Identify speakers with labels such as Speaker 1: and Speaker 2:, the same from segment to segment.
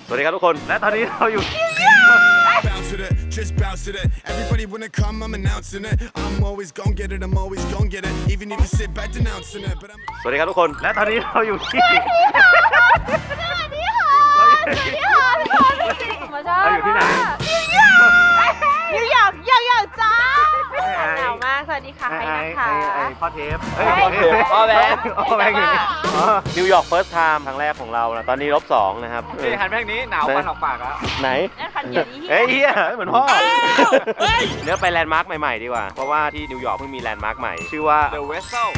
Speaker 1: สวัสดีครับทุกคนและตอนนี้เราอยู่
Speaker 2: Bounce to that, just bounce to that. Everybody wanna come, I'm announcing it. I'm always gon' get it, I'm always gon' get it. Even if you sit back denouncing it, but I'm.
Speaker 1: สวัสดีครับทุกคนและตอนนี้เราอยู่ที่
Speaker 3: สวัสดีค่ะพี่พรมาชอบ
Speaker 1: เราอยู่ที่ไหน
Speaker 3: นิวยอร์กจ้าหนาวมากสวัสดีค่ะใครนะคะ
Speaker 1: ไอ้พ่อเทป
Speaker 4: พ่อแบงค์
Speaker 1: พ่อแบงค์อยู่นี่นิวยอร์กเฟิร์สไทม์ครั้งแรกของเรานะตอนนี้-2นะครับ
Speaker 4: นี่หันแม่งนี้หนาวฟันออกปากแล้ว
Speaker 1: ไหน
Speaker 3: คันเดียวนี้
Speaker 1: เฮ้ยเฮียเหมือนพ่อเนื้อไปแลนด์มาร์คใหม่ๆดีกว่าเพราะว่าที่นิวยอร์กเพิ่งมีแลนด์มาร์คใหม่ชื่อว่า
Speaker 4: The Vessel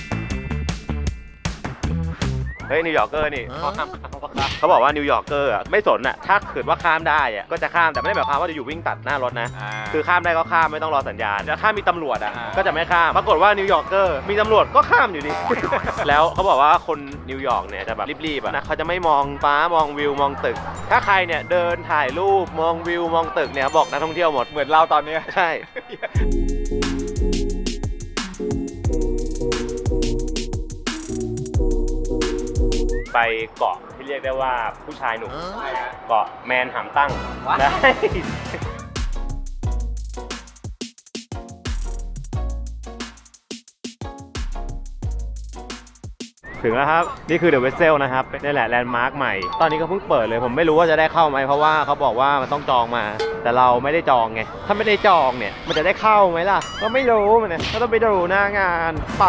Speaker 1: เฮ้ยนิวยอร์กเกอร์นี่เขาบอกว่านิวยอร์กเกอร์อ่ะไม่สนอ่ะถ้าเกิดว่าข้ามได้อ่ะก็จะข้ามแต่ไม่ได้หมายความว่าจะอยู่วิ่งตัดหน้ารถนะคือข้ามได้ก็ข้ามไม่ต้องรอสัญญาณแต่ถ้ามีตำรวจอ่ะก็จะไม่ข้ามปรากฏว่านิวยอร์กเกอร์มีตำรวจก็ข้ามอยู่ดี แล้วเขาบอกว่าคนนิวยอร์กเนี่ยจะแบบรีบๆอ่ะนะเขาจะไม่มองฟ้ามองวิวมองตึกถ้าใครเนี่ยเดินถ่ายรูปมองวิวมองตึกเนี่ยบอกนักท่องเที่ยวหมด
Speaker 4: เหมือนเราตอนนี้
Speaker 1: ใช่ไปเกาะที่เรียกได้ว่าผู้ชายหนุ่มเกาะแมนหามตั้งได้ถึงแล้วครับนี่คือเดอะเวสเซลนะครับนี่แหละแลนด์มาร์คใหม่ตอนนี้ก็เพิ่งเปิดเลยผมไม่รู้ว่าจะได้เข้าไหมเพราะว่าเขาบอกว่ามันต้องจองมาแต่เราไม่ได้จองไงถ้าไม่ได้จองเนี่ยมันจะได้เข้าไหมล่ะก็ไม่รู้มันเนี่ยก็ต้องไปดูหน้างานไป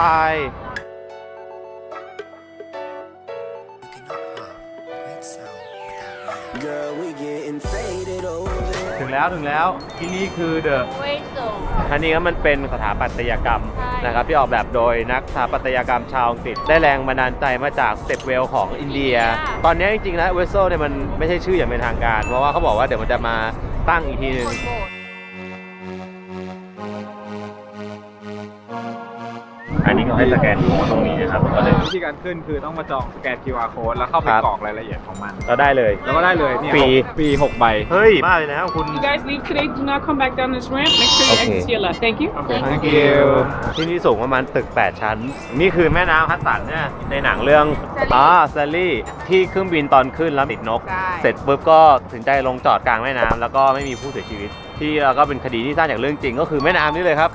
Speaker 1: ถึงแล้วที่นี่คือเดอะ
Speaker 3: เวสโซ
Speaker 1: อันนี้ก็มันเป็นสถาปัตยกรรมนะครับที่ออกแบบโดยนักสถาปัตยกรรมชาวอังกฤษได้แรงบันดาลใจมาจากสเต็ปเวลของอินเดียตอนนี้จริงๆแล้วเวสโซเนี่ยมันไม่ใช่ชื่ออย่างเป็นทางการเพราะว่าเขาบอกว่าเดี๋ยวมันจะมาตั้งอีกทีนึงอันนี้ก็ให้สแกนตรงนี้นะครับก็เลย
Speaker 4: วิธีการขึ้นคือต้องมาจองสแกน QR code แล้วเข้าไปกรอกรายละเอียดของมัน
Speaker 1: ก็ได้เลย
Speaker 4: แล้วก็ได้เลยเนี่ย
Speaker 1: ฟรี
Speaker 4: 6 ใบ
Speaker 1: เฮ้ยบ้าเลยนะคุณ
Speaker 5: You guys leave today, do not come back down this ramp. Make sure you
Speaker 1: Okay.
Speaker 5: exit to your left. Thank you.
Speaker 1: Thank you ที่นี่สูงประมาณตึก8ชั้นนี่คือแม่น้ำฮัดสันเนี่ยในหนังเรื่องแซลลี่ที่เครื่องบินตอนขึ้นแล้วติดนกเสร็จปุ๊บก็ถึงใจลงจอดกลางแม่น้ำแล้วก็ไม่มีผู้เสียชีวิตที่แล้วก็เป็นคดีที่สร้างจากเรื่องจริงก็คือแม่น้ำนี่เลยครับ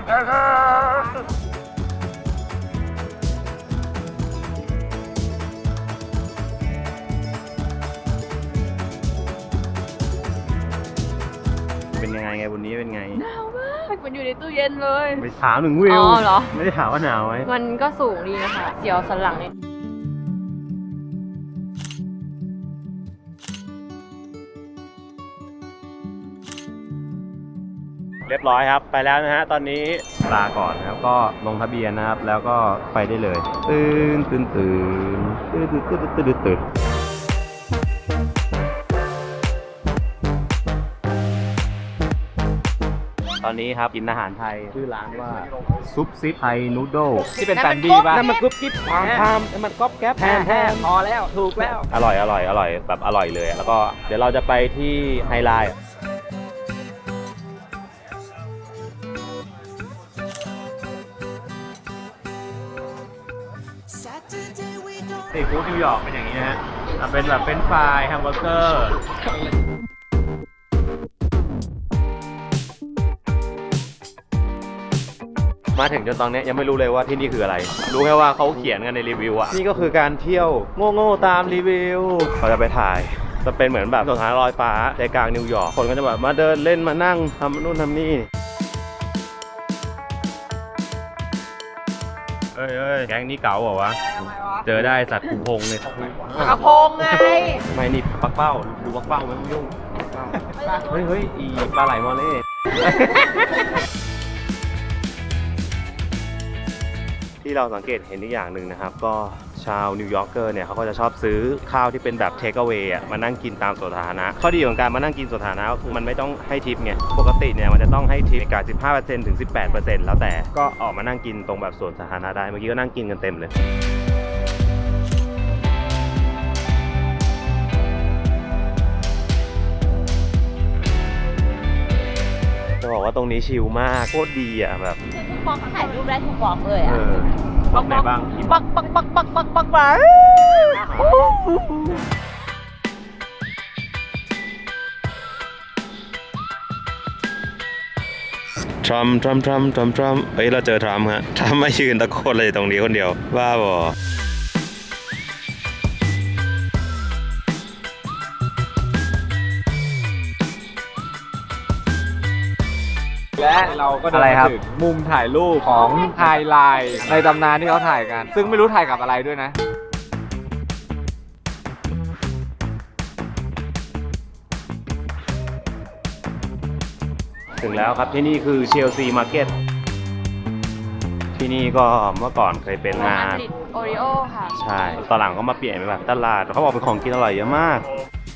Speaker 1: เป็นยังไงวันนี้เป็นไง
Speaker 3: หนาวมากมันอยู่ในตู้เย็นเลย
Speaker 1: ไปถามถึงวิว
Speaker 3: อ๋อเหรอ
Speaker 1: ไม่ได้ถามว่าหนาวไหม
Speaker 3: มันก็สูงดีนะคะเสียวสันหลังเนี่ย
Speaker 1: เรียบร้อยครับไปแล้วนะฮะตอนนี้ลาก่อนนะครับก็ลงทะเบียนนะครับแล้วก็ไปได้เลยตื่นตอนนี้ครับกินอาหารไทยชื่อร้านว่าซุปซิปไทยนูโดล
Speaker 4: ที่เป็นแฟนบี้ป่ะ
Speaker 1: นั่นมันกรุ๊ปกิ๊บความพามนั่นมันก๊อบแก๊บแพม
Speaker 4: พอแล้วถูกแล้ว
Speaker 1: อร่อยแบบอร่อยเลยแล้วก็เดี๋ยวเราจะไปที่ไฮไลท์ซีฟู้ดนิวยอร์กเป็นอย่างนี้นะฮะเป็นแบบเป็นฟรายแฮมเบอร์เกอร์มาถึงจนตอนนี้ยังไม่รู้เลยว่าที่นี่คืออะไรรู้แค่ว่าเขาเขียนกันในรีวิวอะนี่ก็คือการเที่ยวโง่ๆตามรีวิวเราจะไปถ่ายจะเป็นเหมือนแบบสถานลอยฟ้าใจกลางนิวยอร์กคนก็จะแบบมาเดินเล่นมานั่งทำนู่นทำนี่เอ้ยแก๊งนี้เก๋าเหรอวะเจอได้สัตว์ขุนพงเลย
Speaker 3: กระพงไง
Speaker 1: ไม่นี่ปักเป้าดูปักเป้าไม่ต้องยุ่งเฮ้ยอีปลาไหลมอเล่ที่เราสังเกตเห็นอีกอย่างหนึ่งนะครับก็ชาวนิวยอร์กเกอร์เนี่ยเขาก็จะชอบซื้อข้าวที่เป็นแบบเทคเอาเวย์มานั่งกินตามสวนสาธารณะข้อดีของการมานั่งกินสวนสาธารณะก็คือมันไม่ต้องให้ทิปไงปกติเนี่ยมันจะต้องให้ทิปในการ 15% ถึง 18% แล้วแต่ก็ออกมานั่งกินตรงแบบสวนสาธารณะได้เมื่อกี้ก็นั่งกินกันเต็มเลยจะบอกว่าตรงนี้ชิลมากโคตรดีอ่ะแบบ
Speaker 3: ทุกบล็อกถ่ายรูปได้ทุกบล็อกเลยอ่ะ
Speaker 1: บล็อกไหนบ้าง
Speaker 3: ปัก
Speaker 1: ทรัมป์เฮ้ยเราเจอทรัมป์ฮะทรัมป์มายืนตะโกนเลยตรงนี้คนเดียวบ้าบอ
Speaker 4: และเราก็เดินมาถึงมุมถ่ายรูปของไฮไลท์ในตำนานที่เขาถ่ายกัน ซึ่งไม่รู้ถ่ายกับอะไรด้วยนะ
Speaker 1: ถึงแล้วครับที่นี่คือเชลซีมาร์เก็ตที่นี่ก็เมื่อก่อนเคยเป็นงาน
Speaker 3: โอริโอค่ะ
Speaker 1: ใช่ตอนหลังก็มาเปลี่ยนเป็นแบบตลาดเขาบอกเป็นของกินอร่อยเยอะมาก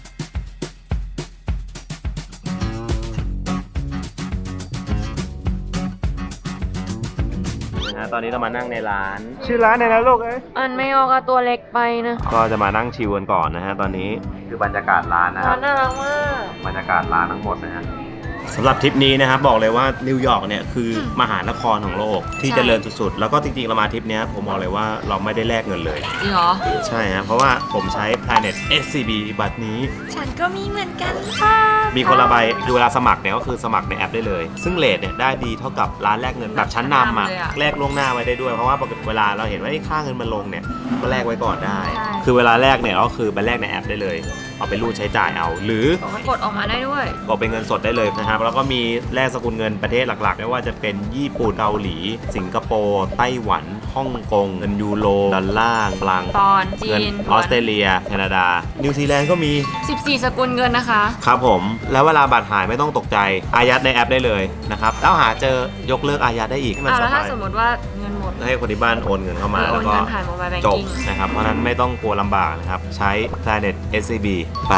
Speaker 1: ตอนนี้เรามานั่งในร้านชื่อร้านอะไรนะลูกเอ้ย
Speaker 3: อันไม่ออกอะตัวเล็กไปนะ
Speaker 1: ก็จะมานั่งชิลกันก่อนนะฮะตอนนี้คือบรรยากาศร้านนะค
Speaker 3: ร้า
Speaker 1: รับ
Speaker 3: นน่ารักมาก
Speaker 1: บรรยากาศร้านทั้งหมดนะฮะสำหรับทริปนี้นะครับบอกเลยว่านิวยอร์กเนี่ยคือมหานครของโลกที่เจริญสุดๆแล้วก็จริงๆเรามาทริปนี้ผมบอกเลยว่าเราไม่ได้แลกเงินเลย
Speaker 3: จริงเหรอ
Speaker 1: ใช่ฮะเพราะว่าผมใช้ Planet SCB บัตรนี้
Speaker 3: ฉันก็มีเหมือนกันค่ะ
Speaker 1: มีคนละใบคือเวลาสมัครเนี่ยก็คือสมัครในแอปได้เลย ซึ่งเรทเนี่ยได้ดีเท่ากับร้านแลกเงินแบบชั้นนำอ่ะแลกล่วงหน้าไว้ได้ด้วยเพราะว่าปกติเวลาเราเห็นว่าค่าเงินมันลงเนี่ยก็แลกไว้ก่อนได้ คือเวลาแลกเนี่ยก็คือไปแลกในแอปได้เลยเอาไปรูดใช้จ่ายเอาหรือ
Speaker 3: มันกดออกมาได้ด้วย
Speaker 1: ก็เป็นเงินสดได้เลยนะครับแล้วก็มีแลกสกุลเงินประเทศหลักๆไม่ว่าจะเป็นญี่ปุ่นเกาหลีสิงคโปร์ไต้หวันฮ่องกงเงินยูโรดอลลาร์ฟรัง
Speaker 3: ตอนจี
Speaker 1: เงิน
Speaker 3: น
Speaker 1: ออสเตรเลียแคนาดานิวซีแลนด์ก็มี
Speaker 3: 14 สกุลเงินนะคะ
Speaker 1: ครับผมแล้วเวลาบัตรหายไม่ต้องตกใจอายัดในแอปได้เลยนะครับแล้วหาเจอยกเลิกอายัดได้อีกให้มันส
Speaker 3: แล้วถ้า
Speaker 1: บาย
Speaker 3: สมมติว่าเงินหมด
Speaker 1: ให้คนที่บ้านโอนเงินเข้ามา
Speaker 3: โอ
Speaker 1: แล้
Speaker 3: น
Speaker 1: วก็
Speaker 3: เงินผ่านโมบายแบง
Speaker 1: จบ
Speaker 3: กิ้ง
Speaker 1: นะครับเพราะฉะนั้นไม่ต้องกลัวลำบากนะครับใช้ Planet SCB ไป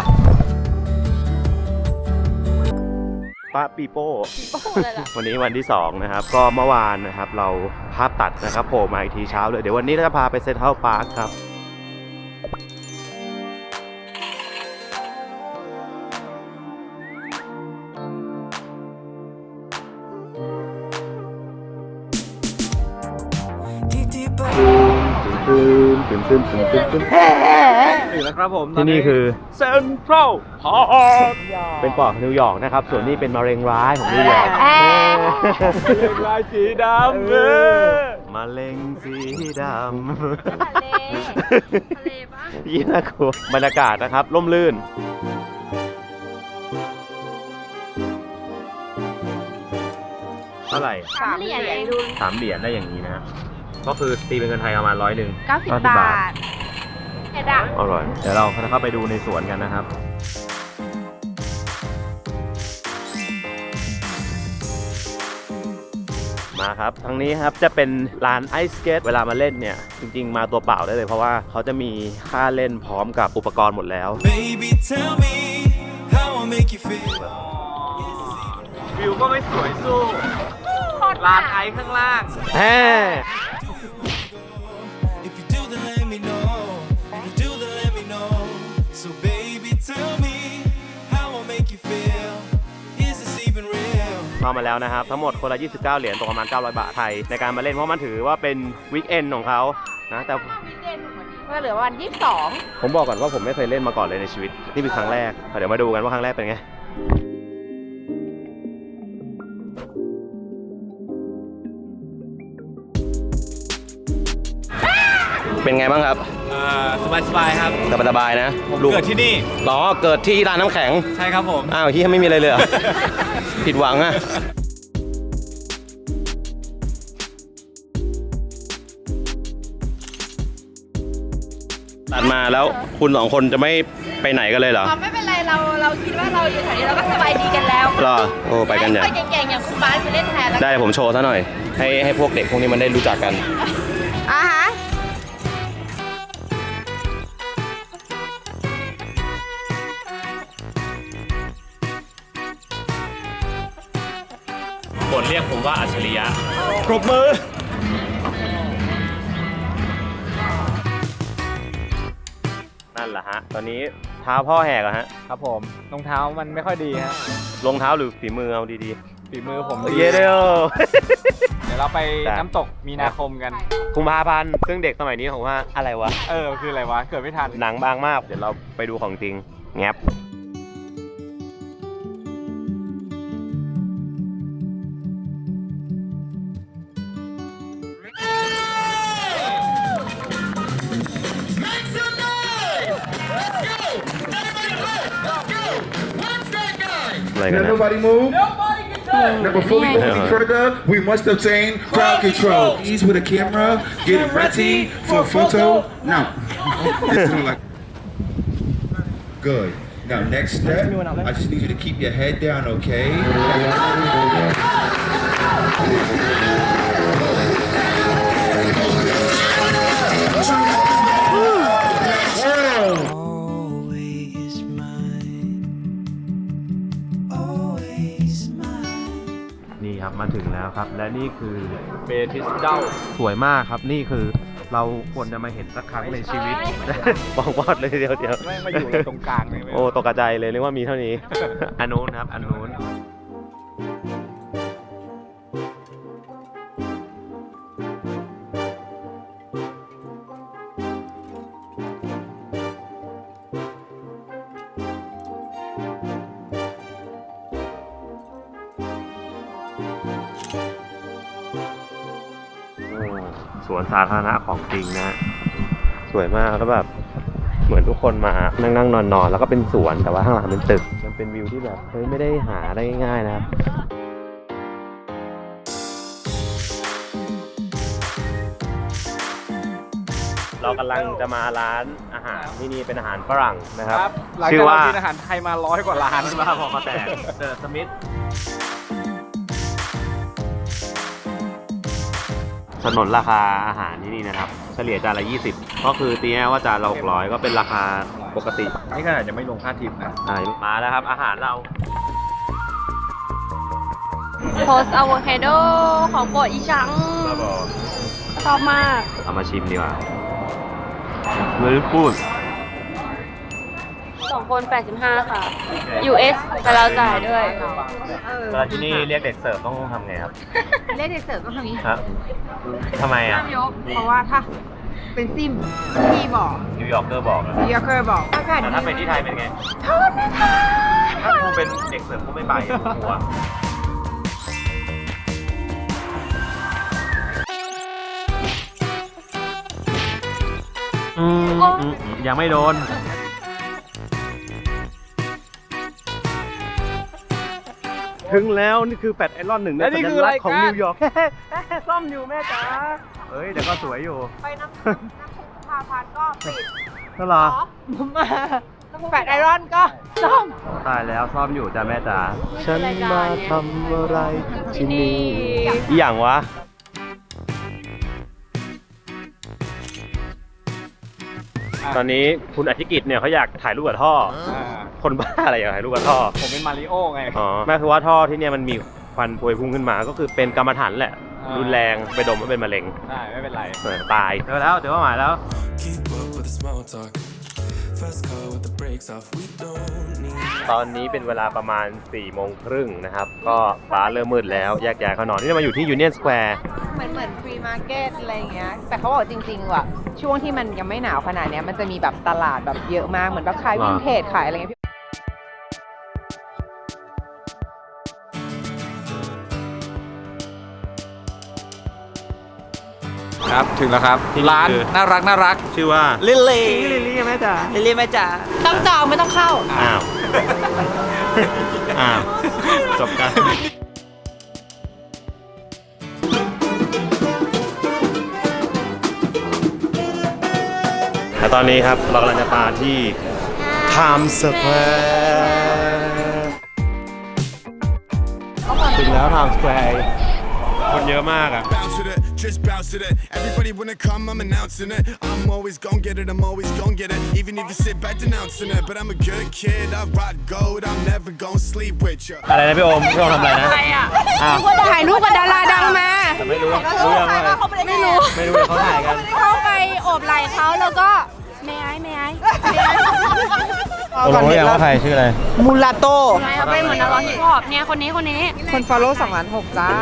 Speaker 1: ป้าปีโป้ วันนี้วันที่2นะครับก็เมื่อวานนะครับเราภาพตัดนะครับโผล่มาอีกทีเช้าเลยเดี๋ยววันนี้เราจะพาไปเซ็นทรัลพาร์คครับ
Speaker 4: ถึงแล้วครับผม
Speaker 1: ที่นี่คือ
Speaker 4: เซ็นทรัลพาร์ค
Speaker 1: เป็นปอดนิวยอร์กนะครับส่วนนี้เป็นมะเร็งร้ายของนิวยอร์ก
Speaker 4: เป็นลายสีดำเลย
Speaker 1: มะเร็งสีดำ
Speaker 3: ทะเลปะ
Speaker 1: ยี่น่ากลัวบรรยากาศนะครับร่มรื่นเท่าไหร่
Speaker 3: 3 เหรียญเองดู
Speaker 1: 3 เหรียญได้อย่างนี้นะก็คือตีเป็นเงินไทยประมาณ100
Speaker 3: 90 บาทเห็ดอะ
Speaker 1: อร่อยเดี๋ยวเราเข้าไปดูในสวนกันนะครับมาครับทางนี้ครับจะเป็นลานไอซ์สเกตเวลามาเล่นเนี่ยจริงๆมาตัวเปล่าได้เลยเพราะว่าเขาจะมีค่าเล่นพร้อมกับอุปกรณ์หมดแล้ว
Speaker 2: Baby, tell me how I make you feel.
Speaker 4: วิวก็ไม่สวยสู้ลานไอซ์ข้างล่าง
Speaker 1: แฮ่
Speaker 2: If you do, then let me know. If you do, then let me know. So, baby, tell me how I make you feel. Is this even real?
Speaker 1: เข้ามาแล้วนะครับทั้งหมดคนละ29 เหรียญตกประมาณ900 บาทไทยในการมาเล่นเพราะมันถือว่าเป็นวีคเอนด์ของเขานะแต่
Speaker 3: ก็เหลือวัน 22
Speaker 1: ผมบอกก่อนว่าผมไม่เคยเล่นมาก่อนเลยในชีวิตนี่เป็นครั้งแรกเดี๋ยวมาดูกันว่าครั้งแรกเป็นไงเป็นไงบ้างครับ
Speaker 4: สบายๆครับ
Speaker 1: สบายๆนะ
Speaker 4: ผมเกิดที่นี่
Speaker 1: ล้อเกิดที่ร้านน้ำแข็ง
Speaker 4: ใช่ครับผม
Speaker 1: อ้าวที่ไม่มีอะไรเลยเหรอ ผิดหวังอะตัดมาแล้วคุณ2 คนจะไม่ไปไหนกันเลยเหรอ
Speaker 3: ไม่เป็นไรเราคิดว่าเราอยู่แถวนี้เราก็สบายดีกันแล้ว
Speaker 1: เหรอโอ้ไปกันใหญ่
Speaker 3: ให้คนเก่งๆอย่างคุณบาสไปเล่นแทนแล้ว
Speaker 1: ได้ผมโชว์ซะหน่อย ให้พวกเด็กพวกนี้มันได้รู้จักกัน
Speaker 3: อ่ะฮะ
Speaker 1: บทเรียกผมว่าอัจฉริยะปรบมือ นั่นแหละฮะ ตอนนี้เท้าพ่อแหกอะฮะ
Speaker 4: ครับผมรองเท้ามันไม่ค่อยดีฮะ
Speaker 1: รองเท้าหรือฝีมือเอาดี
Speaker 4: ฝีมือผม
Speaker 1: ๆ
Speaker 4: ดี
Speaker 1: เย้เด้อ
Speaker 4: เดี๋ยวเราไปน้ำตกมีนาคมกัน
Speaker 1: กุมภาพันธ์ซึ่งเด็กสมัยนี้ผมว่าอะไรวะ
Speaker 4: คืออะไรวะ เกิดไม่ทัน
Speaker 1: หนังบางมาก เดี๋ยวเราไปดูของจริง แงบอะไรกัน
Speaker 6: Now
Speaker 1: นะ
Speaker 6: nobody move. Now before we go any further, we must obtain crowd control. Ease with a camera, get ready for a photo. Now, good. Now next step, I just need you to keep your head down, okay?
Speaker 2: Always mine. Always mine.
Speaker 1: นี่ครับมาถึงแล้วครับ และนี่คือ
Speaker 4: เบทิสเด้า
Speaker 1: สวยมากครับนี่คือเราควรจะมาเห็นสักครั้งในชีวิตบอกวอดเลยเดียว
Speaker 4: แม่งมาอยู่เลยตรงกลางเลย
Speaker 1: โอ้ตกใจเลยนึกว่ามีเท่านี้ อันนู้นครับอันนู้นสวนสาธารณะของจริงนะ สวยมากแล้วแบบเหมือนทุกคนมานั่งนอนแล้วก็เป็นสวนแต่ว่าข้างหลังเป็นตึกมันเป็นวิวที่แบบเฮ้ยไม่ได้หาได้ง่ายๆนะครับเรากำลังจะมาร้านอาหารที่นี่เป็นอาหารฝรั่งนะครับ
Speaker 4: หลัง
Speaker 1: ชื่
Speaker 4: จาก
Speaker 1: อว่า
Speaker 4: เรากินอาหารไทยมา100 กว่าร้าน
Speaker 1: มาพอมาแตกเดอะสมิธสนนราคาอาหารที่นี่นะครับเฉลี่ยจานละ20ก็คือตีแน่ว่าจานละ600ก็เป็นราคาปกติ
Speaker 4: นี่ขนาดยังไม่ลงค่าทิปนะ
Speaker 1: มาแล้วครับอาหารเรา
Speaker 3: โพสอะโวคาโดของโปรดอีชังชอบมาก
Speaker 1: เอามาชิมดีกว่าเลยพูด
Speaker 3: 2 คน 85 ค่ะ US แต่เราจ่ายด้วย
Speaker 1: เวลาที่นี่เรียกเด็กเสิร์ฟต้องทำไงครับ
Speaker 7: เล่นเด็กเสิร์ฟต้องทำอย่างนี้
Speaker 1: ฮะทำไมอ่ะ
Speaker 7: เพราะว่าถ้าเป็นซิมพี่บอก
Speaker 1: นิวยอร์กเกอร์บอกอะ
Speaker 7: นิวยอร์กเกอร์บอกอากาศ
Speaker 1: แต่
Speaker 7: ดี
Speaker 1: ถ้าเป็นที่ไทยเป็นไง
Speaker 7: โทษนะคะ
Speaker 1: ถ้ากูเป็นเด็กเสิร์ฟกูไม่ไปกูกลัวยังไม่โดน ถึงแล้วนี่คือแฟลตไอรอนหนึ่งใน
Speaker 4: และนี่
Speaker 1: สั
Speaker 4: คือ
Speaker 1: ญ
Speaker 4: อะไร
Speaker 1: ลักษณ์ของ
Speaker 4: กัน
Speaker 1: นิวยอร์ก ซ่อมอยู่แม่จ๋าเฮ้ยเดี๋ยวก็สวยอยู่
Speaker 7: ไปน้ำพาพันก็ปิด
Speaker 1: นั่นเหรอ
Speaker 7: มาแฟดไอรอนก็ซ่อม
Speaker 1: ตายแล้วซ่อมอยู่จ้ะแม่จ๋าฉันมาทำอะไรที่นี่อีหยังวะตอนนี้คุณอธิกิจเนี่ยเขาอยากถ่ายรูปกับท่อ คนบ้าอะไรอยากถ่ายรูปกับท่อ
Speaker 4: ผมเป็นมาริโอไง
Speaker 1: อ๋อแม่คือว่าท่อที่เนี่ยมันมีควันพวยพุ่งขึ้นมาก็คือเป็นกรรมฐานแหละ รุนแรงไปดมแล้วเป็นมะเร็ง
Speaker 4: ได้ไม่เป็นไร
Speaker 1: ตายเจอแล้วเจอเป้าหมายแล้ว
Speaker 2: Keep up with the small talk. Fast car with the brakes off. We don't need.
Speaker 1: ตอนนี้เป็นเวลาประมาณ 4 โมงครึ่งนะครับ ก็ฟ้าเริ่มมืดแล้วแยกย้ายเขานอนนี่เรามาอยู่ที่ยูเนียนสแควร์
Speaker 7: เหมือนฟรีมาร์เก็ตอะไรอย่างเงี้ย แต่เขาบอกจริงๆว่ะช่วงที่มันยังไม่หนาวขนาดเนี้ยมันจะมีแบบตลาดแบบเยอะมาก เหมือนแบบขายวินเทจขายอะไรเงี้ย
Speaker 4: ครับถึงแล้วครับ
Speaker 1: ที่นี่
Speaker 4: ร้าน
Speaker 1: คือ
Speaker 4: น่ารัก
Speaker 1: ชื่อว่า
Speaker 7: ลิลลี่
Speaker 1: ลิลลี่แม่จ๋า
Speaker 7: ลิลลี่แม่จ๋าต้องจองไม่ต้องเข้า
Speaker 1: อ้าว อ้าว จบกัน และตอนนี้ครับเรากำลังจะมาที่ Times Square ถึงแล้ว Times Square คนเยอะมากอ่ะ
Speaker 8: Bounce with it, just bounce with it. Everybody wanna come, I'm announcing it. I'm always gon' get it, I'm always gon' get it. Even if you sit back denouncing it. But I'm a good kid, I rock gold, I'm never gon' sleep with ya.
Speaker 1: อะไรนะพี่โอมทำอะไรนะอ้าว
Speaker 7: ถ่ายรูปกับดาราดังมา
Speaker 1: แต่ไม่รู้รู้ยังว่า
Speaker 7: ไม่รู้
Speaker 1: ไม่รู้เลยเขาถ่ายกัน
Speaker 7: เข้าไปโอบไหล่เขาแล้วก็ไม่ไอ้
Speaker 1: รู้ยังว่าใครชื่ออะไร
Speaker 7: มูลาโต้
Speaker 3: เขาเป็นเหมือนนักร้องฮิปฮอปเนี่ยคนนี้
Speaker 7: คน follow 2 ล้าน 6จ้า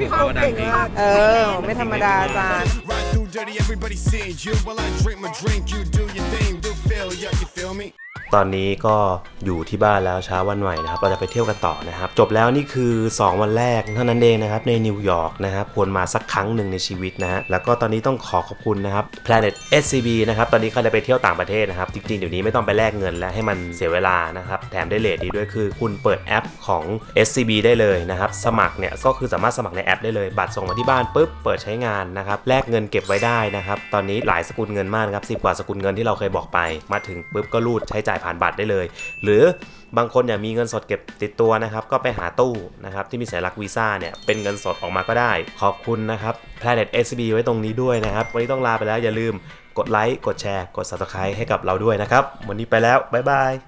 Speaker 7: ไม่ธรรมดาจ้า
Speaker 8: Ride through dirty, everybody seeing you. While I drink my drink, you do your thing, do feel ya, you feel me?
Speaker 1: ตอนนี้ก็อยู่ที่บ้านแล้วเช้าวันใหม่นะครับเราจะไปเที่ยวกันต่อนะครับจบแล้วนี่คือ2วันแรกเท่านั้นเองนะครับในนิวยอร์กนะครับควรมาสักครั้งหนึ่งในชีวิตนะฮะแล้วก็ตอนนี้ต้องขอบคุณนะครับ Planet SCB นะครับตอนนี้ใครจะไปเที่ยวต่างประเทศนะครับจริงๆเดี๋ยวนี้ไม่ต้องไปแลกเงินและให้มันเสียเวลานะครับแถมได้เรทดีด้วยคือคุณเปิดแอปของ SCB ได้เลยนะครับสมัครเนี่ยก็คือสามารถสมัครในแอปได้เลยบัตรส่งมาที่บ้านปุ๊บเปิดใช้งานนะครับแลกเงินเก็บไว้ได้นะครับตอนนี้หลายสกุลเงินมากครับ10 กว่าสกุลเงินที่เราเคยบอกไปมาถึงปุ๊บก็รูดใช้จ่ายผ่านบัตรได้เลยหรือบางคนอยากมีเงินสดเก็บติดตัวนะครับก็ไปหาตู้นะครับที่มีสัญลักษณ์วีซ่าเนี่ยเป็นเงินสดออกมาก็ได้ขอบคุณนะครับ Planet SCB ไว้ตรงนี้ด้วยนะครับวันนี้ต้องลาไปแล้วอย่าลืมกดไลค์กดแชร์กด Subscribe ให้กับเราด้วยนะครับวันนี้ไปแล้วบ๊ายบาย